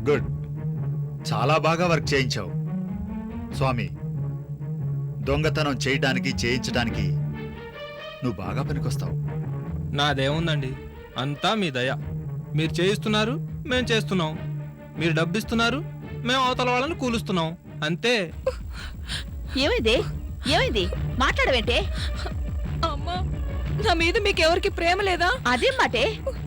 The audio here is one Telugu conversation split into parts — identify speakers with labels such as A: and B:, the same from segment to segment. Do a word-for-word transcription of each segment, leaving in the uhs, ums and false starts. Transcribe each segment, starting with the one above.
A: గుడ్, చాలా బాగా వర్క్ చేయించావు స్వామి. దొంగతనం చేయటానికి చేయించడానికి నువ్వు బాగా పనికొస్తావు.
B: నాదేముందండి, అంతా మీ దయ. మీరు చేయిస్తున్నారు, మేం చేస్తున్నాం. మీరు డబ్బిస్తున్నారు, మేము అవతల వాళ్ళని కూలుస్తున్నాం, అంతే.
C: ఏమైంది ఏమైంది మాట్లాడవేంటే?
D: అమ్మా, నా మీద మీకెవరికి ప్రేమ లేదా?
C: అదేం మాటే?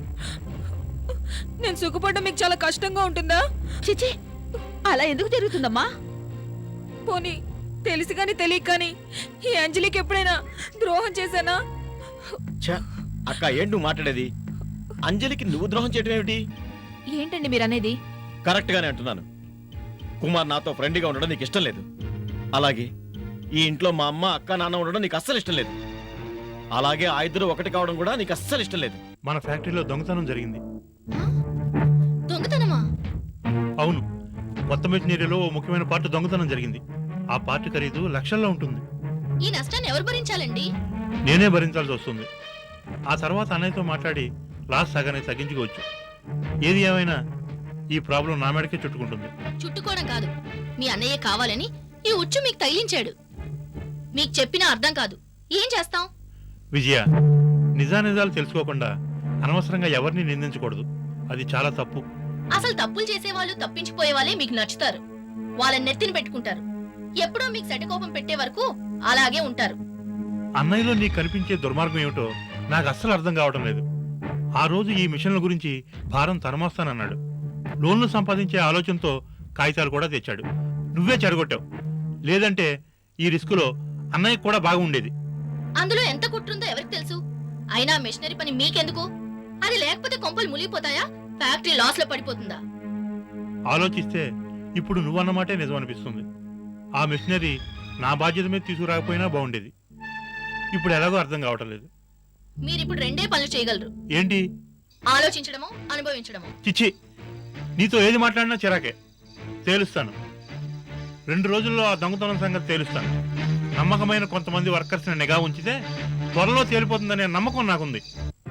D: నేను సుఖపడ్డం మీకు చాలా కష్టంగా ఉంటుందా?
C: చిచి, అలా ఎందుకు జరుగుతుందమ్మా?
D: పోనీ తెలిసి కానీ తెలియక కానీ ఈ అంజలికి ఎప్పుడైనా ద్రోహం చేశానా?
E: అక్క ఏంటి నువ్వు మాట్లాడేది? అంజలికి నువ్వు ద్రోహం చేయడం ఏమిటి?
C: ఏంటండి మీరు అనేది?
E: కరెక్ట్ గానే అంటున్నాను. కుమార్ నాతో ఫ్రెండ్గా ఉండడం నీకు ఇష్టం లేదు. అలాగే ఈ ఇంట్లో మా అమ్మ అక్క నాన్న ఉండడం నీకు అస్సలు ఇష్టం లేదు. అలాగే ఆ ఇద్దరు ఒకటి కావడం కూడా నీకు అస్సలు ఇష్టం లేదు.
F: మన ఫ్యాక్టరీలో దొంగతనం జరిగింది.
C: దొంగతనమా?
F: అవును, కొత్త మెషినరీలో ఓ ముఖ్యమైన పార్ట్ దొంగతనం జరిగింది. ఆ పార్ట్ ఖరీదు లక్షల్లో ఉంటుంది.
C: ఈ నష్టాన్ని ఎవరు భరించాలండి?
F: నేనే భరించాల్సి వస్తుంది. ఆ తర్వాత అన్నయ్యతో మాట్లాడి లాస్ సగానే తగ్గించుకోవచ్చు. ఏది ఏమైనా ఈ ప్రాబ్లం నా మేడకే చుట్టుకుంటుంది.
G: చుట్టుకోవడం కాదు, మీ అన్నయ్య కావాలని ఈ ఉచ్చు మీకు తగిలించాడు. మీకు చెప్పినా అర్థం కాదు, ఏం చేస్తాం?
F: విజయ, నిజానిజాలు తెలుసుకోకుండా అనవసరంగా ఎవరిని నిందించకూడదు. అది చాలా తప్పు.
G: అసలు తప్పులు చేసేవాళ్ళు తప్పించిపోయే వాళ్ళే మీకు నచ్చుతారు. వాళ్ళని నెత్తిన పెట్టుకుంటారు. ఎప్పుడో మీకు సెటకోపం పెట్టే వరకు అలాగే ఉంటారు.
F: అన్నయ్యలో నీకు కనిపించే దుర్మార్గం ఏమిటో నాకు అస్సలు అర్థం కావడం లేదు. ఆ రోజు ఈ మిషన్ల గురించి భారం తనమోస్తానన్నాడు. లోన్లు సంపాదించే ఆలోచనతో కాగితాలు కూడా తెచ్చాడు. నువ్వే చెడగొట్టావు. లేదంటే ఈ రిస్కులో అన్నయ్య కూడా బాగుండేది.
G: అందులో ఎంత కుట్రుందో ఎవరికి తెలుసు? అయినా మిషనరీ పని మీకెందుకు? అది లేకపోతే కొంపలు మునిగిపోతాయా? ఫ్యాక్టరీ లాస్ లో పడిపోతుందా?
F: ఆలోచిస్తే ఇప్పుడు నువ్వన్నమాటే నిజం అనిపిస్తుంది. ఆ మిషనరీ నా బాధ్యత మీద తీసుకురాకపోయినా బాగుండేది. ఇప్పుడు ఎలాగో అర్థం కావటం లేదు.
G: మీరిప్పుడు రెండే పనులు చేయగలరు.
F: ఏంటి?
G: ఆలోచించడమో అనుభవించడమో.
F: చిచ్చి, నీతో ఏది మాట్లాడినా చిరాకే. తేలుస్తాను. రెండు రోజుల్లో ఆ దొంగతనం సంగతి తేలుస్తాను. నమ్మకమైన కొంతమంది వర్కర్స్ని నిఘా ఉంచితే త్వరలో తేలిపోతుందనే నమ్మకం నాకుంది.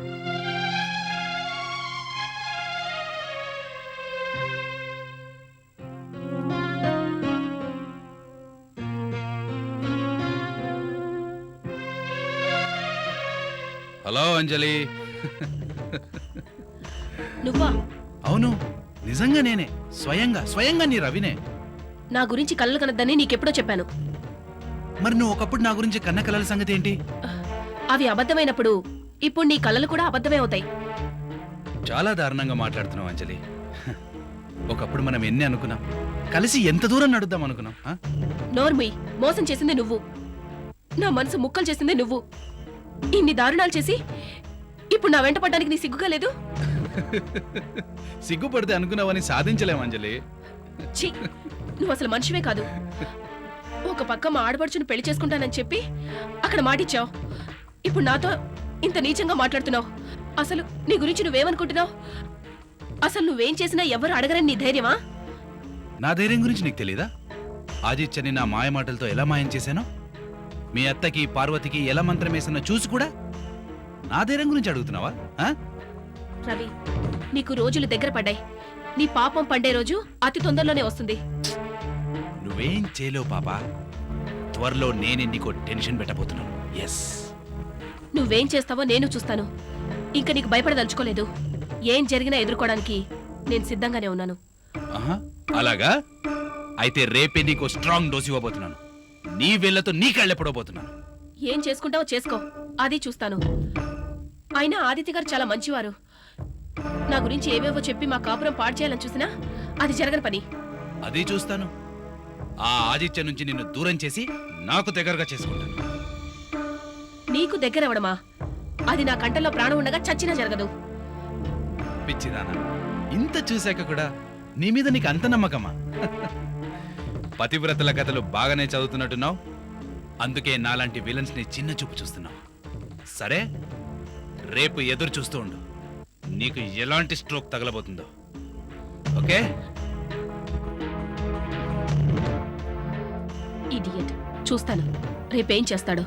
H: హలో అంజలి.
C: నువ్వా?
H: అవును, నిజంగా నేనే. స్వయంగా స్వయంగా నీ రవినే.
C: నా గురించి కళ్ళలు కనద్దని నీకెప్పుడో చెప్పాను.
H: మరి నువ్వు ఒకప్పుడు నా గురించి కన్న కలల సంగతి ఏంటి?
C: అవి అబద్ధమైనప్పుడు ఇప్పుడు నీ కళ్ళలు కూడా అబద్ధమే అవుతాయి.
H: చాలా దారుణంగా మాట్లాడుతున్నావు అంజలి. ఒకప్పుడు మనం ఎన్ని అనుకున్నాం, కలిసి ఎంత దూరం నడుద్దాం అనుకున్నాం.
C: నోర్ముయ్, మోసం చేసింది నువ్వు. నా మనసు ముక్కలు చేసింది నువ్వు. ఇన్ని దారుణాలు చేసి ఇప్పుడు నా వెంట పడ్డానికి నీ సిగ్గుగా లేదు?
H: సిగ్గుపడితే అనుకున్నావని సాధించలేం అంజలి.
C: ఛీ, నువ్వు అసలు మనిషివే కాదు. ఒక పక్క మా ఆడపడుచుని పెళ్లి చేసుకుంటానని చెప్పి అక్కడ మాటిచ్చావు. ఇప్పుడు నాతో ఇంత నీచంగా మాట్లాడుతున్నావు. అసలు నీ గురించి నువ్వేమనుకుంటున్నావు? అసలు నువ్వేం చేసినా ఎవరు అడగరని నీ ధైర్యమా?
H: నా ధైర్యం గురించి నీకు తెలీదా? ఆదిత్యని నా మాయ మాటలతో ఎలా మాయం చేశానో, మీ అత్తకి పార్వతికి ఎలా మంత్రం వేసినా చూసి కూడా నా ధైర్యం గురించి అడుగుతున్నావా?
C: రవి, నీకు రోజులు దగ్గర పడ్డాయి. నీ పాపం పండే రోజు అతి తొందరలోనే వస్తుంది.
H: నువ్వేం చేయలేవు పాపా. త్వరలో నేనే నీకు టెన్షన్ పెట్టబోతున్నాను. ఎస్,
C: నువ్వేం చేస్తావో నేను చూస్తాను. ఇంకా నీకు భయపడదలుచుకోలేదు. ఏం జరిగినా ఎదుర్కోవడానికి నేను సిద్ధంగానే ఉన్నాను.
H: ఆహా, అలాగా? అయితే రేపే నీకు స్ట్రాంగ్ డోస్ ఇవ్వబోతున్నాను. నీ వేళ్లతో నీ కళ్ళెప్పుడోబోతున్నాను.
C: ఏం చేసుకుంటావో చేసుకో, అది చూస్తాను. అయినా ఆదిత్య గారు చాలా మంచివారు. నా గురించి ఏవేవో చెప్పి మా కాపురం పాడు చేయాలని చూసినా అది జరగని పని.
H: అది చూస్తాను. ఆ ఆదిత్య నుంచి నిన్ను దూరం చేసి నాకు దగ్గరగా చేసుకుంటాను.
C: నీకు దగ్గరవడమా? అది నా కంటల్లో ప్రాణం ఉండగా చచ్చినా జరగదు.
H: పిచ్చిదానా, ఇంత చూశాక కూడా నీ మీద నీకు అంత నమ్మకమా? పతివ్రతల కథలు బాగానే చదువుతున్నట్టున్నావు. అందుకే నాలాంటి విలన్స్ ని చిన్న చూపు చూస్తున్నావు. సరే, రేపు ఎదురు చూస్తూ ఉండు. నీకు ఎలాంటి స్ట్రోక్ తగలబోతుందో. ఓకే?
C: ఇడియట్, చూస్తాను రేపేం చేస్తాడో.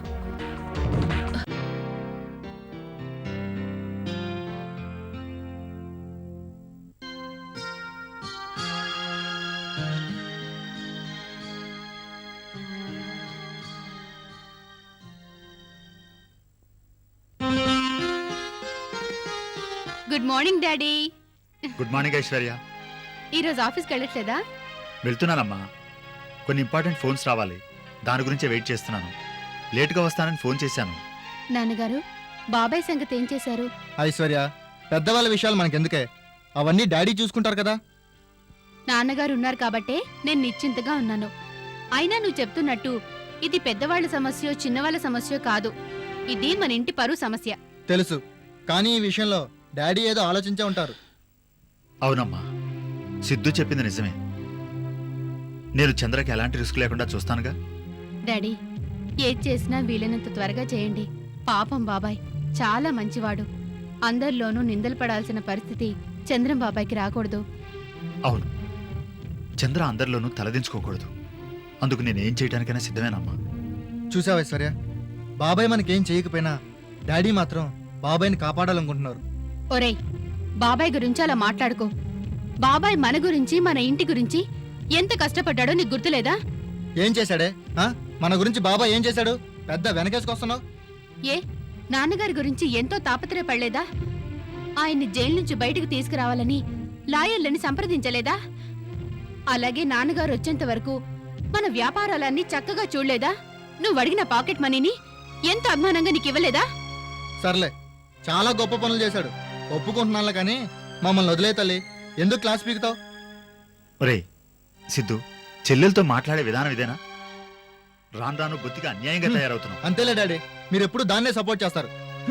I: Good morning daddy.
A: Good morning Aishwarya.
I: ఈరోజు ఆఫీస్కి వెళ్ళట్లేదా?
A: వెళ్తున్నానమ్మా. కొన్ని ఇంపార్టెంట్ ఫోన్స్ రావాలి, దాని గురించే వెయిట్ చేస్తున్నాను. లేటుగా వస్తానని ఫోన్ చేశాను.
I: నాన్నగారు, బాబాయ్ సంగతి ఏం చేశారు?
J: ఐశ్వర్య, పెద్దవాళ్ళ విషయాలు మనకెందుకే, అవన్నీ డాడీ చూసుకుంటారు కదా.
I: నాన్నగారు ఉన్నారు కాబట్టే నేను నిశ్చింతగా ఉన్నాను. అయినా నువ్వు చెప్తున్నట్టు ఇది పెద్దవాళ్ళ సమస్యో చిన్నవాళ్ళ సమస్యో కాదు, ఇది మన ఇంటి పరువు సమస్య.
J: తెలుసు, కానీ ఈ విషయంలో డాడీ ఏదో ఆలోచించే ఉంటారు.
A: అవునమ్మా, సిద్ధు చెప్పింది నిజమే. నేను చంద్రకి ఎలాంటి రిస్క్ లేకుండా చూస్తానుగా.
I: డాడీ, ఏది చేసినా వీలైనంత త్వరగా చేయండి. పాపం బాబాయ్ చాలా మంచివాడు. అందరిలోనూ నిందలు పడాల్సిన పరిస్థితి చంద్రం బాబాయ్కి రాకూడదు.
A: అవును, చంద్ర అందరిలోనూ తలదించుకోకూడదు. అందుకు నేనేం చేయడానికైనా సిద్ధమేనమ్మా.
J: చూసావా ఐశ్వర్య, బాబాయ్ మనకేం చేయకపోయినా డాడీ మాత్రం బాబాయ్ని కాపాడాలనుకుంటున్నారు.
I: ఒరేయ్, బాబాయ్ గురించి అలా మాట్లాడుకో. బాబాయ్ మన గురించి మన ఇంటి గురించి ఎంత కష్టపడ్డాడో నీకు గుర్తులేదా?
J: ఏం చేశాడే? ఆ? మన గురించి బాబాయ్ ఏం చేశాడు? పెద్ద వెనకేసుకొస్తున్నావు.
I: ఏ నాన్నగారి గురించి ఎంతో తాపత్రయపడలేదా? ఆయన్ని జైలు నుంచి బయటకు తీసుకురావాలని లాయర్లని సంప్రదించలేదా? అలాగే నాన్నగారు వచ్చేంత వరకు మన వ్యాపారాలన్నీ చక్కగా చూడలేదా? నువ్వు అడిగిన పాకెట్ మనీని ఎంత అభిమానంగా నీకు ఇవ్వలేదా?
J: సర్లే, చాలా గొప్ప పనులు చేశాడు, ఒప్పుకుంటున్నాను. కానీ మమ్మల్ని వదిలే తల్లి, ఎందుకు క్లాస్ పీకుతావు?
A: ఒరేయ్ సిద్ధు, చెల్లెలతో మాట్లాడే విధానం ఇదేనా? రాను రాను బొత్తిగా అన్యాయంగా తయారవుతున్నావు.
J: అంతేలే డాడీ, మీరు ఎప్పుడు దాన్నే సపోర్ట్ చేస్తారు.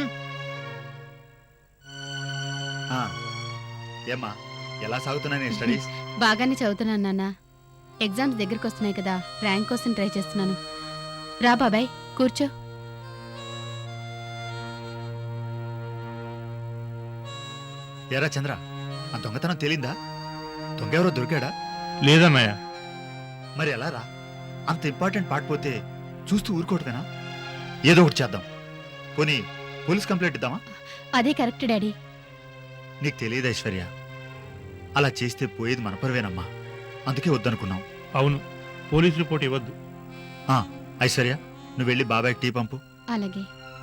A: ఆ, ఏమ్మా, ఎలా సాగుతున్నాయి నీ స్టడీస్?
I: బాగానే చదువుతున్నాను నాన్న. ఎగ్జామ్స్ దగ్గరికి వస్తున్నాయి కదా, ర్యాంక్ కోసం ట్రై చేస్తున్నాను. రా బాబాయ్, కూర్చో.
A: ఎరా చంద్ర, ఆ దొంగతనం తేలిందా? దొంగ ఎవరో దొరికాడా?
F: లేదన్నయ్య.
A: మరి ఎలా రా? అంత ఇంపార్టెంట్ పార్ట్ పోతే చూస్తూ ఊరుకోవటమేనా? ఏదో ఒకటి చేద్దాం. పోనీ పోలీస్ కంప్లైంట్ ఇద్దామా?
I: అదే కరెక్ట్ డాడీ.
A: నీకు తెలియదు ఐశ్వర్య, అలా చేస్తే పోయేది మన పరువేనమ్మా. అందుకే వద్దనుకున్నాం.
F: అవును, పోలీస్ రిపోర్ట్ ఇవ్వద్దు.
A: ఆ, ఐశ్వర్య, నువ్వు వెళ్ళి బాబాయ్ టీ పంపు.
I: అలాగే.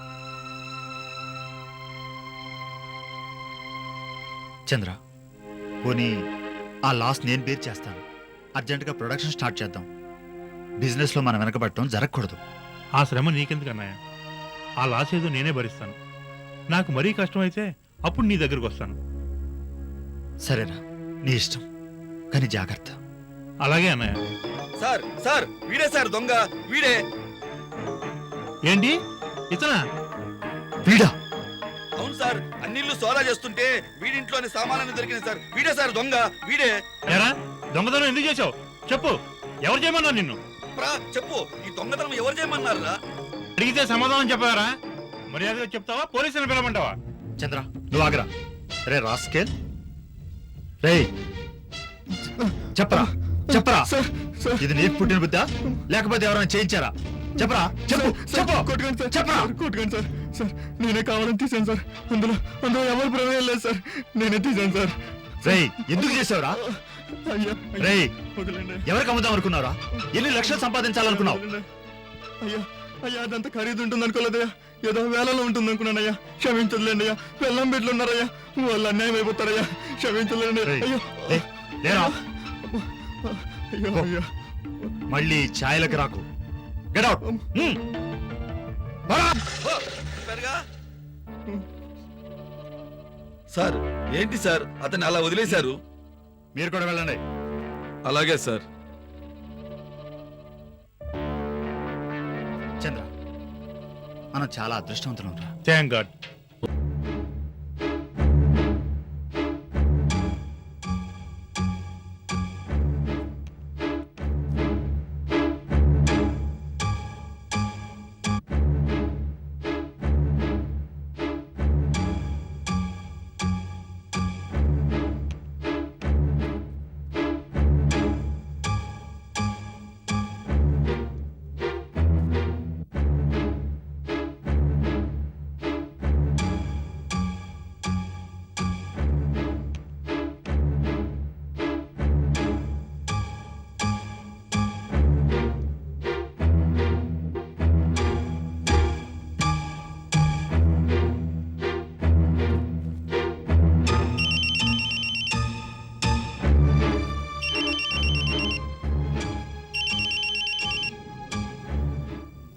A: చంద్ర, పోనీ ఆ లాస్ నేను బేర్ చేస్తాను. అర్జెంటుగా ప్రొడక్షన్ స్టార్ట్ చేద్దాం. బిజినెస్లో మనం వెనకబడటం జరగకూడదు.
F: ఆ శ్రమ నీకెందుకన్నయ్య? ఆ లాస్ ఏదో నేనే భరిస్తాను. నాకు మరీ కష్టమైతే అప్పుడు నీ దగ్గరకు వస్తాను.
A: సరేనా, నీ ఇష్టం, కానీ జాగ్రత్త.
F: అలాగే అన్నయ్య.
K: సార్ సార్ వీడే సార్ దొంగ, వీడే.
F: ఏంటి ఇతనా?
A: వీడా?
K: అవును సార్, అన్నిళ్ళు సోదా చేస్తుంటే వీడింట్లోని సామాన్లు దొరికింది సార్. వీడే సార్ దొంగ, వీడే.
F: ఎరా, దొంగతనం ఎందుకు చేసావు? చెప్పు, ఎవరు చేయమన్నారు నిన్ను?
K: ప్రా చెప్పు, ఈ దొంగతనం ఎవరు చేయమన్నారా?
F: అడిగితే సమాధానం చెప్పారా? మర్యాదగా చెప్తావా, పోలీసులు పిలవమంటావా?
A: చంద్ర, నువ్వు ఆగరా. రే రాస్కేల్, రే చెప్పరా, చెప్పరా. ఇది నీకు పుట్టిన బుద్ధా, లేకపోతే ఎవరైనా చేయించారా? చెప్పరా, చెప్పు, చెప్పు, చెప్పరా.
J: కొట్టుకోండి సార్. సార్, నేనే కావాలని తీసాను సార్. అందులో అందులో ఎవరు ప్రమేయం లేదు సార్. నేనే తీసాను సార్.
A: రే ఎందుకు చేసావురా?
J: అయ్యా,
A: రే
J: వదిలేండి.
A: ఎవరికి అమ్ముదాం అనుకున్నారా? ఎన్ని లక్షలు సంపాదించాలనుకున్నావు?
J: అయ్యా అయ్యా, అదంతా ఖరీదు ఉంటుంది అనుకోలేదయ్యా, ఏదో వేలలో ఉంటుంది అనుకున్నానయ్యా. క్షమించలేండి అయ్యా, వెళ్ళం బిడ్డలు ఉన్నారయ్యా, వాళ్ళు అన్యాయం అయిపోతారయ్యా. క్షమించలేండి.
A: రేయ్,
J: అయ్యో
A: లే, లేరా.
J: అయ్యో అయ్యో.
A: మళ్ళీ ఛాయలకు రాకు. Get out.
K: చెప్పారుగా. సార్ ఏంటి సార్, అతన్ని అలా వదిలేశారు?
A: మీరు కూడా వెళ్ళండి.
K: అలాగే సార్.
A: చంద్ర, మనం చాలా అదృష్టవంతులం రా.
F: Thank God.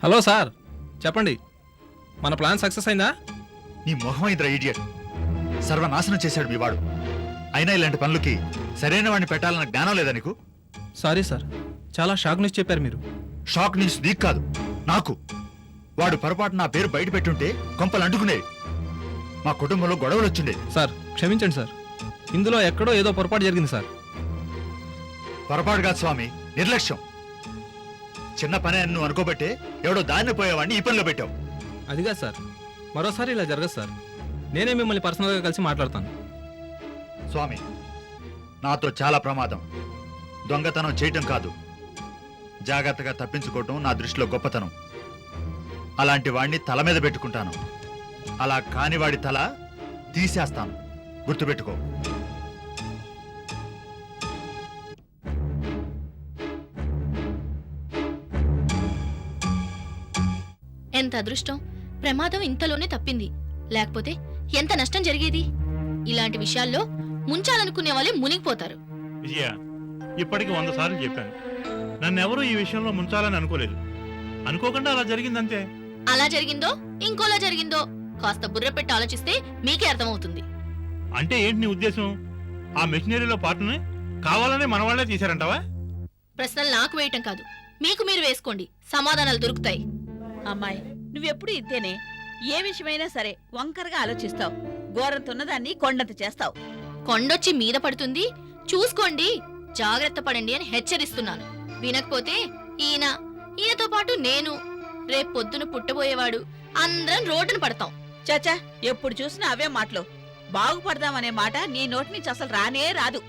B: హలో సార్, చెప్పండి. మన ప్లాన్ సక్సెస్ అయిందా?
A: నీ మొహం ఇద్దరు ఇడియట్. సర్వనాశనం చేశాడు మీ వాడు. అయినా ఇలాంటి పనులకి సరైన వాడిని పెట్టాలన్న జ్ఞానం లేదా నీకు?
B: సారీ సార్, చాలా షాక్ న్యూస్ చెప్పారు మీరు.
A: షాక్ న్యూస్ నీకు కాదు, నాకు. వాడు పొరపాటు నా పేరు బయట పెట్టుంటే కొంపలు అంటుకునేవి. మా కుటుంబంలో గొడవలు వచ్చిండేవి.
B: సార్ క్షమించండి సార్, ఇందులో ఎక్కడో ఏదో పొరపాటు జరిగింది సార్.
A: పొరపాటు కాదు స్వామి, నిర్లక్ష్యం. చిన్న పని అని నువ్వు అనుకోబట్టే ఎవడో దారిని పోయేవాడిని ఈ పనిలో పెట్టావు.
B: అదిగా సార్, మరోసారి ఇలా జరగదు సార్. నేనే మిమ్మల్ని పర్సనల్గా కలిసి మాట్లాడతాను.
A: స్వామి, నాతో చాలా ప్రమాదం. దొంగతనం చేయటం కాదు, జాగ్రత్తగా తప్పించుకోవటం నా దృష్టిలో గొప్పతనం. అలాంటి వాడిని తల మీద పెట్టుకుంటాను. అలా కాని వాడి తల తీసేస్తాను, గుర్తుపెట్టుకో.
G: ఎంత అదృష్టం, ప్రమాదం ఇంతలోనే తప్పింది. లేకపోతే ఎంత నష్టం జరిగేది. ఇలాంటి విషయాల్లో ముంచాలనుకునే వాళ్ళే మునిగిపోతారు.
F: విజయ, ఇప్పటికి వంద సార్లు చెప్పాను, నన్నెవరూ ఈ విషయంలో ముంచాలని అనుకోలేదు. అనుకోకుండా అలా జరిగిందంతే.
G: అలా జరిగిందో ఇంకోలా జరిగిందో కాస్త బుర్ర పెట్టి ఆలోచిస్తే మీకే అర్థమవుతుంది.
F: అంటే ఏంటి నీ ఉద్దేశం? ఆ మెషినరీలో పార్ట్ని కావాలనే మన వాళ్ళే తీశారంటావా?
G: ప్రశ్నలు నాకు వేయటం కాదు, మీకు మీరు వేసుకోండి, సమాధానాలు దొరుకుతాయి.
D: అమ్మాయి, నువ్వెప్పుడు ఇంతేనే. ఏ విషయమైనా సరే వంకరగా ఆలోచిస్తావు. ఘోరంతున్నదాన్ని కొండంత చేస్తావు.
G: కొండొచ్చి మీద పడుతుంది, చూసుకోండి, జాగ్రత్త పడండి అని హెచ్చరిస్తున్నాను. వినకపోతే ఈయన, ఈయనతో పాటు నేను, రేపు పొద్దున పుట్టబోయేవాడు, అందరం రోడ్డును పడతాం.
D: చాచా, ఎప్పుడు చూసినా అవే మాటలు. బాగుపడదామనే మాట నీ నోటి నుంచి అసలు రానే రాదు.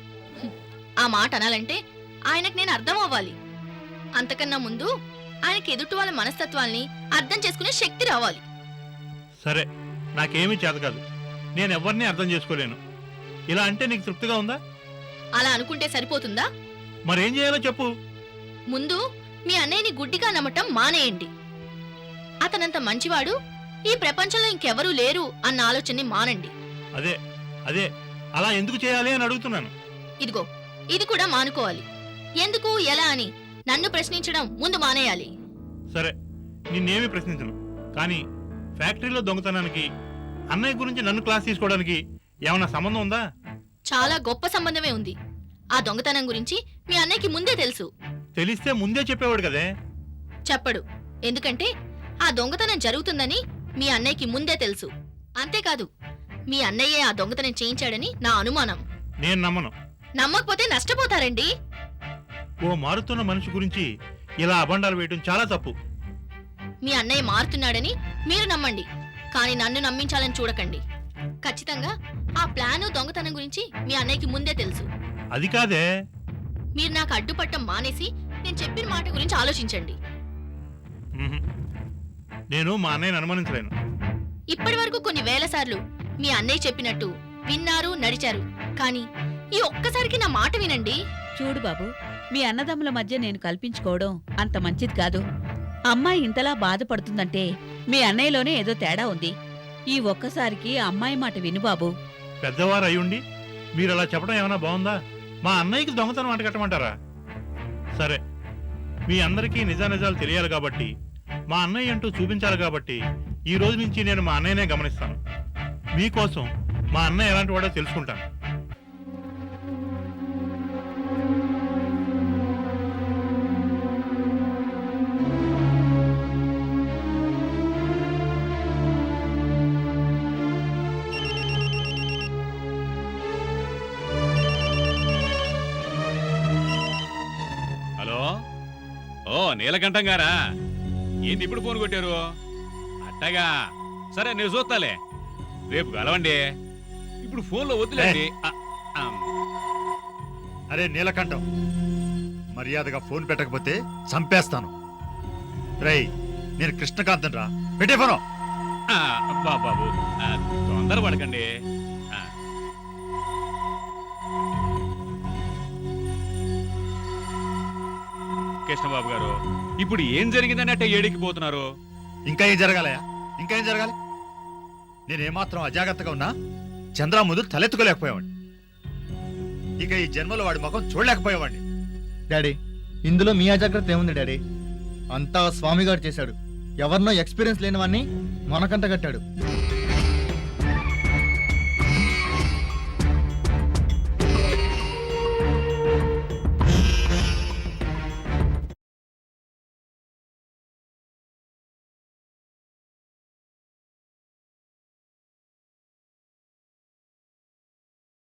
G: ఆ మాట అనాలంటే ఆయనకు నేను అర్థం అవ్వాలి. అంతకన్నా ముందు ఆయనకి ఎదుటి వాళ్ళ మనస్తత్వాల్ని అర్థం చేసుకునే శక్తి రావాలి.
F: సరే, నాకేమీ చేత కాదు. నేను ఎవరిని అర్థం చేసుకోలేను. ఇలా అంటే నీకు తృప్తిగా ఉందా?
G: అలా అనుకుంటే సరిపోతుందా?
F: మరేం చేయాలో చెప్పు.
G: ముందు మీ అన్నయ్యని గుడ్డిగా నమ్మటం మానేయండి. అతనంత మంచివాడు ఈ ప్రపంచంలో ఇంకెవరూ లేరు అన్న ఆలోచనని మానండి.
F: అదే అదే అలా ఎందుకు చేయాలి అని అడుగుతున్నాను.
G: ఇదిగో, ఇది కూడా మానుకోవాలి. ఎందుకు, ఎలా అని నన్ను ప్రశ్నించడం ముందు మానేయాలి.
F: సరే, నిన్నేమీ ప్రశ్నించను. కానీ ఫ్యాక్టరీలో దొంగతనానికి అన్నయ్య గురించి నన్ను క్లాస్ తీసుకోవడానికి ఏమన్నా సంబంధం ఉందా?
G: చాలా గొప్ప సంబంధమే ఉంది. ఆ దొంగతనం గురించి మీ అన్నయ్యకి ముందే తెలుసు.
F: తెలిస్తే ముందే చెప్పేవాడు కదే.
G: చెప్పడు, ఎందుకంటే ఆ దొంగతనం జరుగుతుందని మీ అన్నయ్యకి ముందే తెలుసు. అంతేకాదు, మీ అన్నయ్యే ఆ దొంగతనం చేయించాడని నా అనుమానం.
F: నేను నమ్మను.
G: నమ్మకపోతే నష్టపోతారండి.
F: ఓ మారుతున్న మనిషి గురించి ఇలా అబండాలు వేయటం చాలా తప్పు.
G: మీ అన్నయ్య మారుతున్నాడని మీరు నమ్మండి, కానీ నన్ను నమ్మించాలని చూడకండి. ఖచ్చితంగా ఆ ప్లాను దొంగతనం గురించి మీ అన్నయ్యకి ముందే తెలుసు.
F: అది కాదే.
G: మీరు నాకు అడ్డుపట్టం మానేసి నేను చెప్పిన మాట గురించి ఆలోచించండి.
F: ఉహుం. నేను మా అన్నయ్యని అనుమానించలేను.
G: ఇప్పటి వరకు కొన్ని వేల సార్లు మీ అన్నయ్య చెప్పినట్టు విన్నారు, నడిచారు. కానీ ఈ ఒక్కసారికి నా మాట వినండి.
D: చూడు బాబు, మీ అన్నదమ్ముల మధ్య నేను కల్పించుకోవడం అంత మంచిది కాదు. అమ్మాయి ఇంతలా బాధపడుతుందంటే మీ అన్నయ్యలోనే ఏదో తేడా ఉంది. ఈ ఒక్కసారికి అమ్మాయి మాట విను బాబు.
F: పెద్దవారు అయ్యుండి మీరు అలా చెప్పడం ఏమైనా బాగుందా? మా అన్నయ్యకి దొంగతనం అంటగట్టమంటారా? సరే, మీ అందరికీ నిజానిజాలు తెలియాలి కాబట్టి, మా అన్నయ్య అంటూ చూపించాలి కాబట్టి ఈ రోజు నుంచి నేను మా అన్నయ్యనే గమనిస్తాను. మీకోసం మా అన్నయ్య ఎలాంటి వాడో తెలుసుకుంటాను.
L: హలో, ఓ నీలకంఠం గారా? ఏంది ఇప్పుడు ఫోన్ కొట్టారు? అట్టగా, సరే నేను చూస్తాలే, రేపు కలవండి. ఇప్పుడు ఫోన్లో వద్దులేండి. ఆ, ఆ.
A: అరే నీలకంఠం, మర్యాదగా ఫోన్ పెట్టకపోతే చంపేస్తాను. రేయ్, నేను కృష్ణకాంతం రా, పెట్టే ఫోను.
L: ఆ, అబ్బా బాబు, ఆ, తొందర పడకండి. ఆ. కృష్ణబాబు గారు, ఇప్పుడు ఏం జరిగిందని అట్ట ఏడికిపోతున్నారు?
A: ఇంకా ఏం జరగాలయా? ఇంకా ఏం జరగాలి? నేనేమాత్రం అజాగ్రత్తగా ఉన్నా చంద్ర ముందు తలెత్తుకోలేకపోయేవాడిని. ఇక ఈ జన్మలో వాడి ముఖం చూడలేకపోయేవాడిని.
J: డాడీ, ఇందులో మీ అజాగ్రత్త ఏముంది డాడీ? అంతా స్వామి గారు చేశాడు. ఎవరినో ఎక్స్పీరియన్స్ లేని వాడిని మనకంట కట్టాడు